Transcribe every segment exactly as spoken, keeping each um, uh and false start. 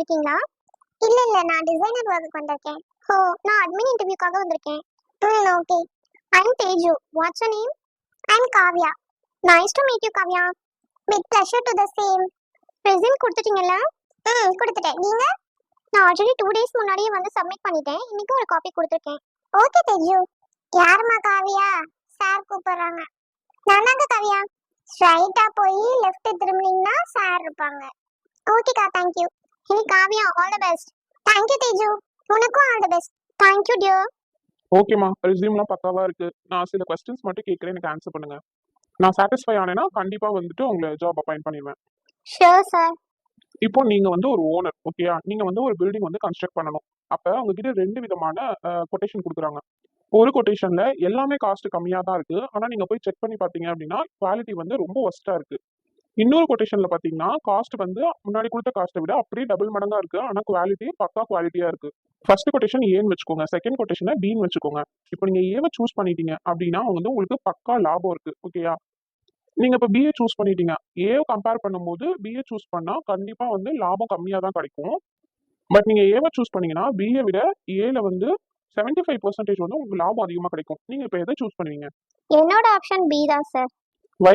வந்திருக்கீங்களா? இல்ல இல்ல, நான் டிசைனர் ஒர்க்குக்கு வந்திருக்கேன். ஓ, நான் அட்மின் இன்டர்வியூக்காக வந்திருக்கேன். ம், okay. I am Teju. What's your name? I am Kavya. Nice to meet you Kavya. With pleasure to the same. Resume கொடுத்துட்டீங்கல்ல? ம், கொடுத்துட்டேன். நீங்க? நான் ஆல்ரெடி டூ டேஸ் முன்னாடியே வந்து சப்மிட் பண்ணிட்டேன். இன்னைக்கு ஒரு காப்பி கொடுத்துருக்கேன். ஓகே தேஜு. யாருமா காவ்யா? சார் கூப்பிடுறாங்க. நானாங்க காவ்யா. ஸ்ட்ரைட்டா போய் லெஃப்ட் திரும்பினீங்கன்னா சார் இருப்பாங்க. ஓகேக்கா, thank you. Hey Kavya, all the best. Thank you Teju. உனக்கும் all the best. Thank you dear. ஓகேம்மா, ரெஸ்யூம்லாம் பக்காவா இருக்கு. நான் சில கொஸ்டின்ஸ் மட்டும் கேட்குறேன், எனக்கு ஆன்சர் பண்ணுங்க. நான் சாட்டிஸ்ஃபை ஆனேன்னா கண்டிப்பா வந்துட்டு உங்களை ஜாப் அப்பாயிண்ட் பண்ணிடுவேன். Sure sir. இப்போ நீங்க வந்து ஒரு ஓனர், ஓகேயா? நீங்க வந்து ஒரு பில்டிங் வந்து கன்ஸ்ட்ரக்ட் பண்ணணும். அப்ப உங்ககிட்ட ரெண்டு விதமான கொட்டேஷன் கொடுக்குறாங்க. ஒரு கொட்டேஷன்ல எல்லாமே காஸ்ட் கம்மியா தான் இருக்கு. ஆனா நீங்க போய் செக் பண்ணி பாத்தீங்க அப்படின்னா குவாலிட்டி வந்து ரொம்ப ஒஸ்டா இருக்கு. இன்னொரு கொட்டேஷன்ல பாத்தீங்கன்னா காஸ்ட் வந்து முன்னாடி கொடுத்த காஸ்ட்டை விட அப்படியே டபுள் மடங்கா இருக்கு. ஆனா குவாலிட்டி பக்கா குவாலிட்டியா இருக்கு. ஃபர்ஸ்ட் கொட்டேஷன் ஏன்னு வச்சுக்கோங்க, செகண்ட் கொட்டேஷனை பின்னு வச்சுக்கோங்க. இப்போ நீங்க ஏவை சூஸ் பண்ணிட்டீங்க அப்படின்னா வந்து உங்களுக்கு பக்கா லாபம் இருக்கு, ஓகேயா? நீங்க இப்போ பிஏ சூஸ் பண்ணிட்டீங்க. ஏவை கம்பேர் பண்ணும்போது பிஏ சூஸ் பண்ணா கண்டிப்பா வந்து லாபம் கம்மியா தான் கிடைக்கும். பட் நீங்க ஏவை சூஸ் பண்ணீங்கன்னா பிஏ விட ஏல வந்து செவன்டி ஃபைவ் பர்சன்டேஜ் வந்து உங்களுக்கு லாபம் அதிகமா கிடைக்கும். நீங்க இப்போ எதை சூஸ் பண்ணுவீங்க? என்னோட ஆப்ஷன் பி தான் சார். வை?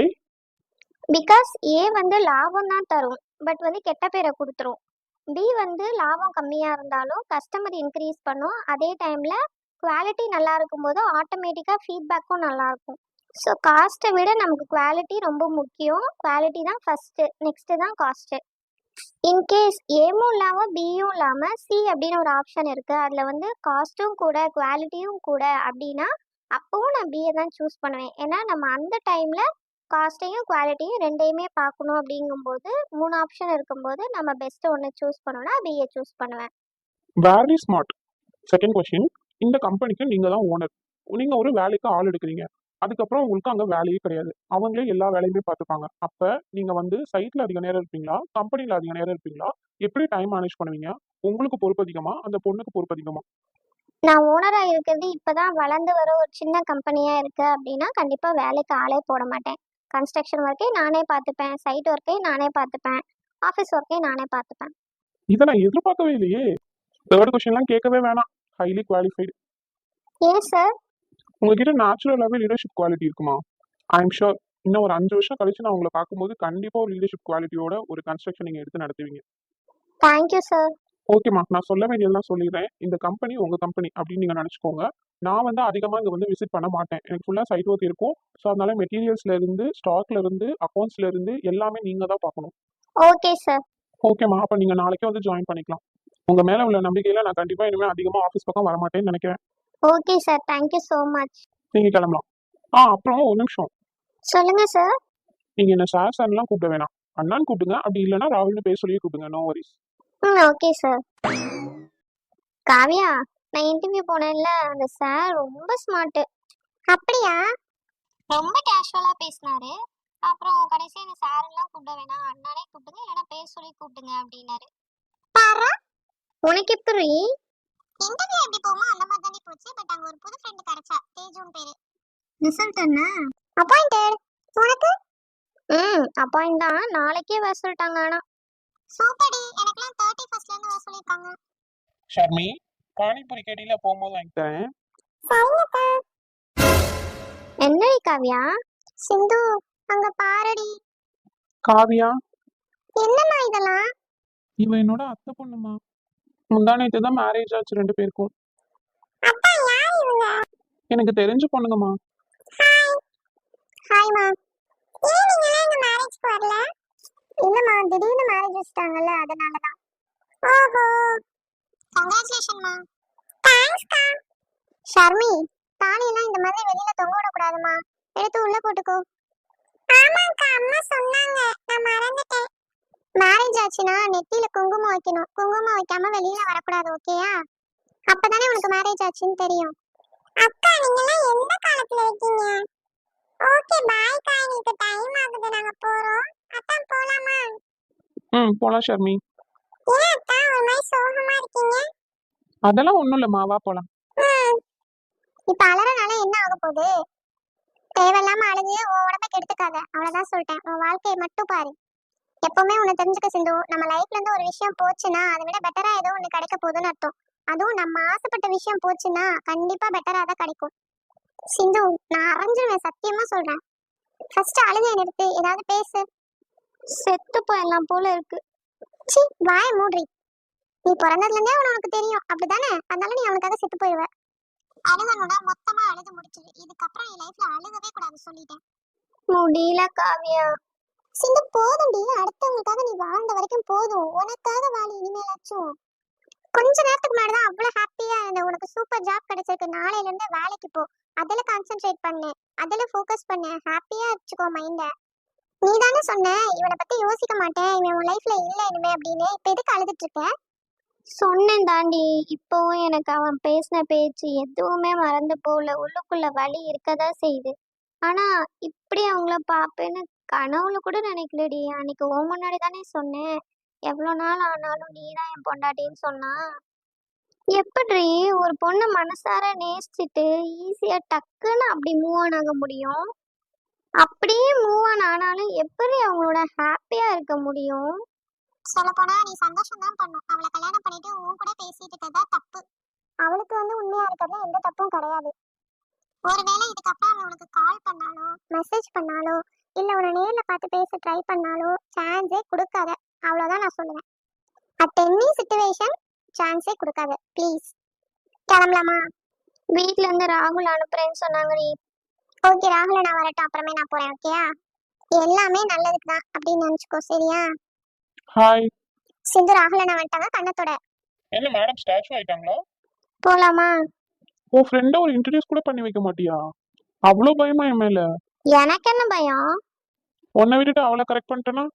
பிகாஸ் ஏ வந்து லாபம் தான் தரும், பட் வந்து கெட்ட பேரை கொடுத்துரும். பி வந்து லாபம் கம்மியா இருந்தாலும் கஸ்டமர் இன்க்ரீஸ் பண்ணும். அதே டைம்ல குவாலிட்டி நல்லா இருக்கும்போது ஆட்டோமேட்டிக்கா ஃபீட்பேக்கும் நல்லா இருக்கும். ஸோ காஸ்ட்டை விட நமக்கு குவாலிட்டி ரொம்ப முக்கியம். குவாலிட்டி தான் ஃபர்ஸ்ட், நெக்ஸ்ட் தான் காஸ்ட். இன்கேஸ் ஏமும் இல்லாமல் பியும் இல்லாமல் சி அப்படின்னு ஒரு ஆப்ஷன் இருக்குது, அதில் வந்து காஸ்ட்டும் கூட குவாலிட்டியும் கூட அப்படின்னா அப்பவும் நான் பிஏ தான் சூஸ் பண்ணுவேன். ஏன்னா நம்ம அந்த டைமில் காஸ்ட்டையும் குவாலிட்டியும் ரெண்டையுமே பார்க்கணும். அப்படிங்கும்போது மூணு ஆப்ஷன் இருக்கும்போது நம்ம பெஸ்ட்டு ஒன்று சூஸ் பண்ணோன்னா பிஏ சூஸ் பண்ணுவேன். Very smart. செகண்ட் கொஸ்டின், இந்த கம்பெனிக்கு நீங்க தான் ஓனர். நீங்க ஒரு வேலைக்கு ஆள் எடுக்கிறீங்க. அதுக்கப்புறம் உங்களுக்கு அங்க வேலையே கிடையாது. அவங்களே எல்லா வேலையுமே பார்த்துப்பாங்க. அப்ப நீங்க வந்து சைட்ல அதிக நேரம் இருப்பீங்களா, கம்பெனில அதிக நேரம் இருப்பீங்களா? எப்படி டைம் மேனேஜ் பண்ணுவீங்க? உங்களுக்கு பொறுப்பு அதிகமா, அந்த பொண்ணுக்கு பொறுப்பு அதிகமா? நான் ஓனராக இருக்கிறது இப்போ தான் வளர்ந்து வர ஒரு சின்ன கம்பெனியாக இருக்குது அப்படின்னா கண்டிப்பாக வேலைக்கு ஆளே போட மாட்டேன். கன்ஸ்ட்ரக்ஷன் ஒர்க்கே நானே பார்த்துப்பேன், சைட் ஒர்க்கே நானே பார்த்துப்பேன், ஆஃபீஸ் ஒர்க்கே நானே பார்த்துப்பேன். இதை நான் எதிர்பார்க்கவே இல்லையே. தேர்ட் கொஸ்டின்லாம் கேட்கவே வேணாம். Highly qualified. ஏன் சார்? உங்ககிட்ட நேச்சுரலாகவே லீடர்ஷிப் குவாலிட்டி இருக்குமா? ஐ எம் ஷோர் இன்னும் ஒரு அஞ்சு வருஷம் கழிச்சு நான் உங்களை பார்க்கும்போது கண்டிப்பா ஒரு லீடர்ஷிப் குவாலிட்டியோட ஒரு கன்ஸ்ட்ரக்ஷன் நீங்க எடுத்து நடத்துவீங்க. Thank you sir. ஓகேம்மா, நான் சொல்ல வேண்டியதெல்லாம் சொல்லிடுறேன். இந்த கம்பெனி உங்க கம்பெனி அப்படின்னு நீங்க நினைச்சுக்கோங்க. நான் வந்து அதிகமா இங்க வந்து விசிட் பண்ண மாட்டேன். எனக்கு ஃபுல்லா சைட் ஒர்க் இருக்கும். ஸோ அதனால மெட்டீரியல்ஸ்ல இருந்து, ஸ்டாக்ல இருந்து, அக்கௌண்ட்ஸ்ல இருந்து எல்லாமே நீங்க தான் பார்க்கணும். Okay sir. ஓகேம்மா, அப்ப நீங்க நாளைக்கே வந்து ஜாயின் பண்ணிக்கலாம். உங்க மேல உள்ள நம்பிக்கையில நான் கண்டிப்பா இனிமே அதிகமா ஆஃபீஸ் பக்கம் வரமாட்டேன்னு நினைக்கிறேன். Okay sir, thank you so much. நீங்க கிளம்பலாம். ஆ அப்புறம் ஒரு நிமிஷம். சொல்லுங்க சார். நீங்க என்ன சார் சார்லாம் கூப்பிட வேணாம். அண்ணான்னு கூப்பிடுங்க. அப்படி இல்லைன்னா ராகுல்னு பேர் சொல்லியே கூப்பிடுங்க. No worries. ம், ஓகே சார். காவியா, நான் இன்டர்வியூ போனேன்ல, அந்த சார் ரொம்ப ஸ்மார்ட். அப்படியா? ரொம்ப கேஷுவலா பேசினாரு. அப்புறம் கடைசியா என்ன சார் எல்லாம் கூப்பிட வேணாம், அண்ணானே கூப்பிடுங்க, இல்லைன்னா பேர் சொல்லி கூப்பிடுங்க அப்படின்னாரு. பாரா, உனக்கு எப்படி? இன்டர்வியூ எப்படி போகுமோ அந்த மாதிரி தானே போச்சு. பட் அங்க ஒரு புது ஃப்ரெண்ட் கிடைச்சா, தேஜுன் பேரு. ரிசல்ட் என்ன? அப்பாயிண்டட். உனக்கு? ம், அப்பாயிண்ட் தான். நாளைக்கே வர சொல்லிட்டாங்க. ஆனா சூப்பர்டி, எனக்குலாம் தேர்ட்டி ஃபர்ஸ்ட்ல இருந்து வர சொல்லிருக்காங்க. ஷர்மி, பானிபூரி கேட்டில போகும்போது வாங்கி தரேன். சரிங்கக்கா. என்னடி காவியா? சிந்து, அங்க பாருடி. காவியா, என்னம்மா இதெல்லாம்? இவ என்னோட அத்தை பொண்ணுமா. முந்தானேத்து தான் மேரேஜ் ஆச்சு ரெண்டு பேருக்கும். அப்பா, யார் இவங்க? எனக்கு தெரிஞ்ச பொண்ணுங்கம்மா. ஹாய். ஹாய்மா. ஏன் நீங்க எங்க மேரேஜ்க்கு வரல? இல்லம்மா, திடீர்னு மேரேஜ் வச்சிட்டாங்கல்ல, அதனால தான். ஓஹோ, கங்க்ராச்சுலேஷன்மா. தேங்க்ஸ்க்கா. ஷர்மி, தாலி எல்லாம் இந்த மாதிரி வெளியில தொங்க விட கூடாதுமா, எடுத்து உள்ள போட்டுக்கோ. ஆமாக்கா, அம்மா சொன்னாங்க, நான் மறந்துட்டேன். மேரேஜ் ஆச்சுனா நெத்தியில குங்குமம் வைக்கணும். குங்குமம் வைக்காம வெளியில வரக்கூடாது, ஓகேயா? அப்பதானே உனக்கு மேரேஜ் ஆச்சுன்னு தெரியும். அக்கா, நீங்க எல்லாம் எந்த காலத்துல இருக்கீங்க? ஓகே, பாய் கா, எனக்கு டைம் ஆகுது, நாங்க போறோம். அத்தா போலாமா? ம், போலாம் ஷர்மி. ஏன் அத்தா ஒரு மாதிரி சோகமா இருக்கீங்க? அதெல்லாம் ஒண்ணும் இல்லம்மா, வா போலாம். ம், இப்ப அலறனால என்ன ஆக போகுது? தேவையில்லாம அழுது உன் உடம்ப கெடுத்துக்காத, அவ்வளவுதான் சொல்லிட்டேன். உன் வாழ்க்கையை மட்டும் பாரு. எப்பவுமே ஒண்ணு தெரிஞ்சுக்க சிந்து, நம்ம லைஃப்ல இருந்து ஒரு விஷயம் போச்சுன்னா அதை விட பெட்டரா ஏதோ ஒண்ணு கிடைக்க போகுதுன்னு அர்த்தம். அதுவும் நம்ம ஆசைப்பட்ட விஷயம் போச்சுன்னா கண்டிப்பா பெட்டரா தான் கிடைக்கும். சிந்து, நான் அரைஞ்சிருவேன், சத்தியமா சொல்றேன். ஃபர்ஸ்ட் அழுகைய நிறுத்து, ஏதாவது பேசு. செத்து போயெல்லாம் போல இருக்கு. சி, வாய மூடி. நீ பிறந்ததுல இருந்தே அவன் உனக்கு தெரியும், அப்படிதானே? அதனால நீ அவனுக்காக செத்து போயிடுவ. அழுகணும்னா மொத்தமா அழுது முடிச்சிரு. இதுக்கப்புறம் என் லைஃப்ல அழுகவே கூடாது சொல்லிட்டேன். முடியல காவியா. சிந்து, போதும்டி. அடுத்தவங்களுக்காக நீ வாழ்ந்த வரைக்கும் போதும். உனக்காக வாழி இனிமேலாச்சும். கொஞ்ச நேரத்துக்கு முன்னாடிதான் அவ்வளவு ஹாப்பியா இருந்த. உனக்கு சூப்பர் ஜாப் கிடைச்சிருக்கு, நாளையில இருந்து வேலைக்கு போ. அதுல கான்சென்ட்ரேட் பண்ணு, அதுல ஃபோக்கஸ் பண்ணு, ஹாப்பியா வச்சுக்கோ மைண்ட. நீ தானே சொன்ன இவனை பத்தி யோசிக்க மாட்டேன், இவன் உன் லைஃப்ல இல்ல இனிமே அப்படின்னு. இப்ப எதுக்கு அழுதுட்டு இருக்க? சொன்னேன் தாண்டி, இப்போவும் எனக்கு அவன் பேசின பேச்சு எதுவுமே மறந்து போகல. உள்ளுக்குள்ள வலி இருக்கதா செய்யுது. ஆனா இப்படி அவங்கள பாப்பேன்னு கனவுல கூட நினைக்கலடி. அன்னைக்கு உன் முன்னாடி தானே சொன்னேன், எவ்வளவு நாள் ஆனாலும் நீதான் என் பொண்டாட்டின்னு சொன்னா. எப்படி ஒரு பொண்ணு மனசார நேசிச்சுட்டு ஈஸியா டக்குன்னு அப்படி மூவ் ஆன் ஆக முடியும்? அப்படியே மூவ் ஆன் ஆனாலும் எப்படி அவங்களோட ஹாப்பியா இருக்க முடியும்? சொல்ல போனா நீ சந்தோஷம் தான் பண்ணும். அவளை கல்யாணம் பண்ணிட்டு உன் கூட பேசிட்டு இருக்கதா தப்பு. அவளுக்கு வந்து உண்மையா இருக்கிறதுல எந்த தப்பும் கிடையாது. ஒருவேளை இதுக்கப்புறம் அவன் உனக்கு கால் பண்ணாலோ மெசேஜ் பண்ணாலோ இல்ல உன்னை நேர்ல பார்த்து பேச ட்ரை பண்ணாலோ சான்ஸே கொடுக்காத. அவ்வளவுதான் நான் சொல்லுவேன். அட் எனி சிச்சுவேஷன் சான்ஸே கொடுக்காத ப்ளீஸ். கிளம்பலாமா? வீட்ல இருந்து ராகுல் அனுப்புறேன்னு சொன்னாங்க. நீ ஓகே, ராகுல நான் வரட்டும், அப்புறமே நான் போறேன். ஓகேயா? எல்லாமே நல்லதுக்கு தான் அப்படின்னு நினைச்சுக்கோ, சரியா? ஹாய். சிந்து, ராகுல நான் வந்துட்டாங்க கண்ணத்தோட. என்ன மேடம் ஸ்டாச்சு ஆயிட்டாங்களா? போலாமா? உன் ஃப்ரெண்ட ஒரு இன்ட்ரடியூஸ் கூட பண்ணி வைக்க மாட்டியா? அவ்வளோ பயமா என் மேல? எனக்கு என்ன பயம்? உன்னை விட்டுட்டு அவளை கரெக்ட் பண்ணிட்டேனா?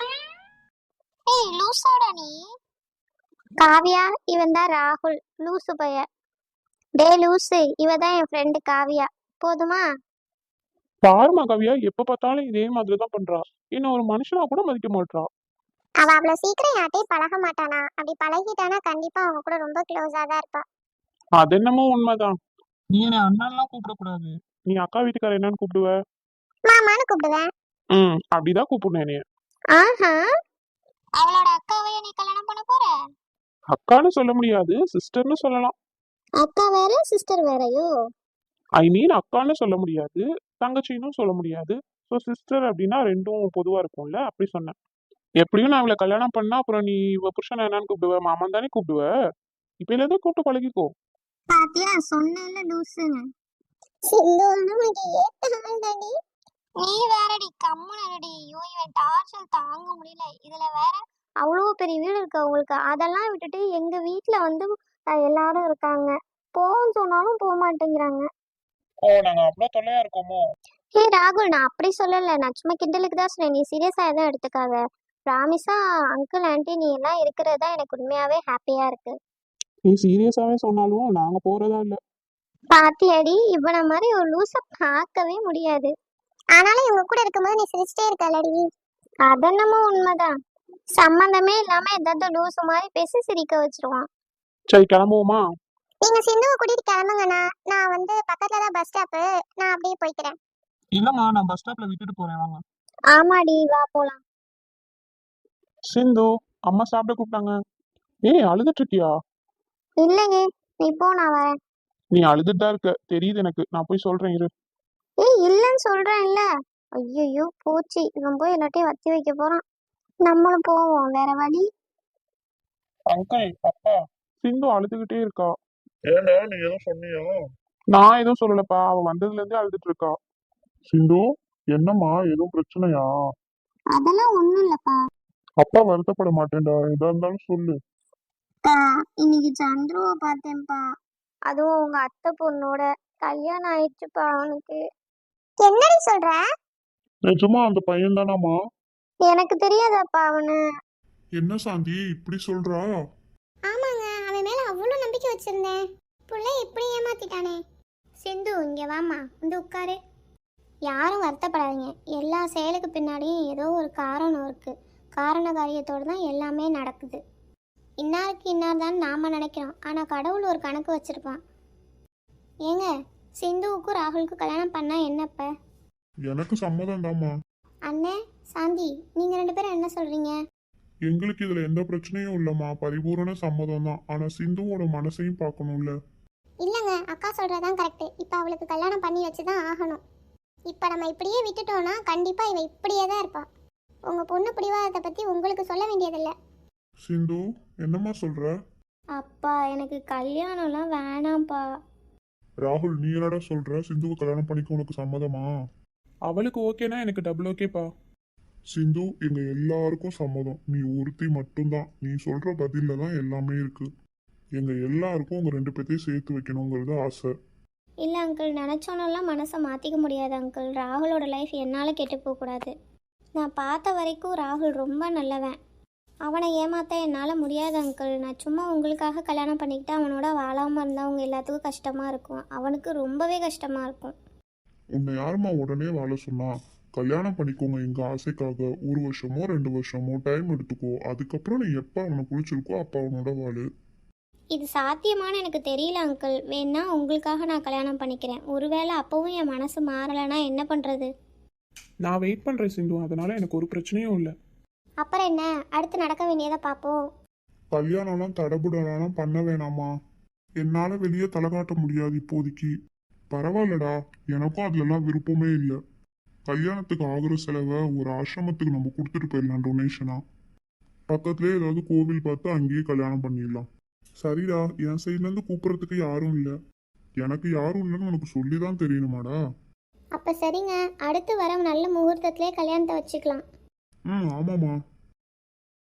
ஏய் லூசாடா நீ. காவியா, இவன் தான் ராகுல், லூசு பைய. டே லூசு, இவ தான் என் ஃப்ரெண்டு காவியா. போதுமா? பாருமா கவியா, எப்ப பார்த்தாலும் இதே மாதிரி தான் பண்றா. இன்னும் ஒரு மனுஷனா கூட மதிக்க மாட்றா. அவ அவ்வளவு சீக்கிரம் யார்ட்டையும் பழக மாட்டானா. அப்படி பழகிட்டானா கண்டிப்பா அவங்க கூட ரொம்ப க்ளோஸா தான் இருப்பா. அது என்னமோ உண்மைதான். நீ என்ன அண்ணன்லாம் கூப்பிடக்கூடாது. நீ அக்கா வீட்டுக்கார என்னன்னு கூப்பிடுவ? மாமான்னு கூப்பிடுவேன். ம், அப்படிதான் கூப்பிடுனேன் நீ. ஆஹா, அவளோட அக்காவை நீ கல்யாணம் பண்ண போற? அக்கான்னு சொல்ல முடியாது, சிஸ்டர்னு சொல்லலாம். அக்கா வேற சிஸ்டர் வேறயோ? ஐ மீன் அக்கான்னு சொல்ல முடியாது, தங்கச்சின்னு சொல்ல முடியாது. ஸோ சிஸ்டர் அப்படின்னா ரெண்டும் பொதுவா இருக்கும்ல, அப்படி சொன்னேன். எப்படியும் நான் அவளை கல்யாணம் பண்ணா அப்புறம் நீ இவ புருஷனை என்னன்னு கூப்பிடுவ? மாமன் தானே கூப்பிடுவ. இப்ப இருந்து கூப்பிட்டு பழகிக்கோ. பாத்தியா, சொன்னேன்ல லூசுன்னு. சிந்து, உனக்கு ஏத்த ஆள் தாண்டி. நீ வேறடி, கம்முனடி. ஐயோ, இவன் டார்ச்சர் தாங்க முடியல. இதுல வேற அவ்வளோ பெரிய வீடு இருக்கு அவங்களுக்கு. அதெல்லாம் விட்டுட்டு எங்க வீட்ல வந்து அஹ், எல்லாரும் இருக்காங்க. போன்னு சொன்னாலும் போக மாட்டேங்கிறாங்க. ஓ, நாங்க அவ்வளவு தொல்லையா இருக்கோமோ? ஹே ராகுல், நான் அப்படி சொல்லல. நான் சும்மா கிண்டலுக்கு தான் சொன்னேன். நீ சீரியஸா எதுவும் எடுத்துக்காத. ப்ராமிஸா அங்கிள் ஆண்டி நீ எல்லாம் இருக்கிறது தான் எனக்கு உண்மையாவே ஹாப்பியா இருக்கு. நீ சீரியஸாவே சொன்னாலும் நாங்க போறதா இல்ல. பாத்தியாடி, இவன மாதிரி ஒரு லூச பார்க்கவே முடியாது. ஆனாலும் இவங்க கூட இருக்கும்போது நீ சிரிச்சிட்டே இருக்கலடி. அதென்னமோ உண்மைதான். சம்பந்தமே இல்லாம ஏதாவது லூசு மாதிரி பேசி சிரிக்க வச்சிருவான். சரி, கிளம்புவோமா? நீங்க சிந்துவை கூட்டிட்டு கிளம்புங்கண்ணா. நான் வந்து பக்கத்துல தான் பஸ் ஸ்டாப்பு, நான் அப்படியே போய்க்கிறேன். இல்லம்மா, நான் பஸ் ஸ்டாப்ல விட்டுட்டு போறேன், வாங்க. ஆமாடி, வா போலாம். சிந்து, அம்மா சாப்பிட கூப்பிட்டாங்க. ஏய், அழுதுட்டு இருக்கியா? இல்லைங்க, நீ போ, நான் வரேன். நீ அழுதுட்டு தான் இருக்க தெரியுது எனக்கு. நான் போய் சொல்றேன் இரு. ஏய் இல்லைன்னு சொல்றேன் இல்ல. ஐயோ போச்சு, இவன் போய் எல்லாத்தையும் வத்தி வைக்க போறான். நம்மளும் போவோம், வேற வழி. அங்கிள், அப்பா. சிந்து அழுதுகிட்டே இருக்கா. ஏண்டா நீ எதுவும் சொன்னியா? நான் எதுவும் சொல்லலப்பா, அவ வந்ததுல இருந்தே அழுதுட்டு இருக்கா. சிந்து, என்னம்மா எதுவும் பிரச்சனையா? அதெல்லாம் ஒண்ணும் இல்லப்பா. அப்பா வருத்தப்பட மாட்டேன்டா, எதா இருந்தாலும் சொல்லு. இன்னைக்கு சந்துருவை பார்த்தேன்ப்பா. அதுவும் உங்க அத்தை பொண்ணோட கல்யாணம் ஆயிடுச்சுப்பா அவனுக்கு. என்னடி சொல்ற? நிஜமா அந்த பையன் தானாமா? எனக்கு தெரியாதப்பா அவனு. என்ன சாந்தி இப்படி சொல்றா? ஆமாங்க, அவன் மேல அவ்வளவு நம்பிக்கை வச்சிருந்தேன். புள்ள இப்படி ஏமாத்திட்டானே. சிந்து, இங்க வாமா, வந்து உட்காரு. யாரும் வருத்தப்படாதீங்க. எல்லா செயலுக்கு பின்னாடியும் ஏதோ ஒரு காரணம் இருக்கு. காரண காரியத்தோடு தான் எல்லாமே நடக்குது. இன்னாருக்கு இன்னார் தான் நாம நினைக்கிறோம், ஆனா கடவுள் ஒரு கணக்கு வச்சிருப்பான். ஏங்க, சிந்துவுக்கும் ராகுலுக்கும் கல்யாணம் பண்ணா என்னப்ப? எனக்கு சம்மதம் தாம்மா. அண்ணே சாந்தி நீங்க ரெண்டு பேரும் என்ன சொல்றீங்க? எங்களுக்கு இதுல எந்த பிரச்சனையும் இல்லம்மா, பரிபூரண சம்மதம் தான். ஆனா சிந்துவோட மனசையும் பார்க்கணும்ல. இல்லைங்க, அக்கா சொல்றதான் கரெக்ட். இப்போ அவளுக்கு கல்யாணம் பண்ணி வச்சு தான் ஆகணும். இப்போ நம்ம இப்படியே விட்டுட்டோம்னா கண்டிப்பா இவ இப்படியே தான் இருப்பா. உங்க பொண்ணு பிடிவாதத்தை பத்தி உங்களுக்கு சொல்ல வேண்டியதில்லை. சிந்து, என்னம்மா சொல்ற? அப்பா எனக்கு கல்யாணம்லாம் வேணாம்ப்பா. ராகுல், நீ என்னடா சொல்ற? சிந்துவை கல்யாணம் பண்ணிக்க உனக்கு சம்மதமா? அவளுக்கு ஓகேனா எனக்கு டபுள் ஓகேப்பா. சிந்து, எங்க எல்லாருக்கும் சம்மதம். நீ ஒருத்தி மட்டும்தான். நீ சொல்ற பதில்ல தான் எல்லாமே இருக்கு. எங்க எல்லாருக்கும் உங்க ரெண்டு பேர்த்தையும் சேர்த்து வைக்கணுங்கிறது ஆசை. இல்லை அங்கிள், நினச்சோன்னெல்லாம் மனசை மாற்றிக்க முடியாது அங்கிள். ராகுலோட லைஃப் என்னால் கெட்டு போகக்கூடாது. நான் பார்த்த வரைக்கும் ராகுல் ரொம்ப நல்லவன். அவனை ஏமாற்ற என்னால் முடியாது அங்கிள். நான் சும்மா உங்களுக்காக கல்யாணம் பண்ணிக்கிட்டு அவனோட வாழாமல் இருந்தால் அவங்க எல்லாத்துக்கும் கஷ்டமாக இருக்கும். அவனுக்கு ரொம்பவே கஷ்டமாக இருக்கும். உன்னை யாரும்மா உடனே வாழ சொன்னா? கல்யாணம் பண்ணிக்கோங்க எங்க ஆசைக்காக. ஒரு வருஷமோ ரெண்டு வருஷமோ டைம் எடுத்துக்கோ. அதுக்கப்புறம் நீ எப்ப அவனை பிடிச்சிருக்கோ அப்ப அவனோட வாழு. இது சாத்தியமானு எனக்கு தெரியல அங்கிள். வேணா உங்களுக்காக நான் கல்யாணம் பண்ணிக்கிறேன். ஒருவேளை அப்போவும் என் மனசு மாறலைன்னா என்ன பண்ணுறது? நான் வெயிட் பண்றேன் சிந்து, அதனால எனக்கு ஒரு பிரச்சனையும் இல்லை. அப்புறம் என்ன, அடுத்து நடக்க வேண்டியதை பார்ப்போம். கல்யாணம்லாம் தடபுடலாம் பண்ண வேணாமா? என்னால வெளியே தலை காட்ட முடியாது இப்போதைக்கு. பரவாயில்லடா, எனக்கும் அதுலலாம் விருப்பமே இல்லை. கல்யாணத்துக்கு ஆகுற செலவை ஒரு ஆசிரமத்துக்கு நம்ம கொடுத்துட்டு போயிடலாம் டொனேஷனா. பக்கத்துலேயே ஏதாவது கோவில் பார்த்து அங்கேயே கல்யாணம் பண்ணிடலாம். சரிடா, என் சைட்லேருந்து கூப்பிட்றதுக்கு யாரும் இல்லை. எனக்கு யாரும் இல்லைன்னு உனக்கு சொல்லி தான் தெரியணுமாடா? அப்போ சரிங்க, அடுத்து வர நல்ல முகூர்த்தத்திலே கல்யாணத்தை வச்சுக்கலாம். ம், ஆமாம்மா.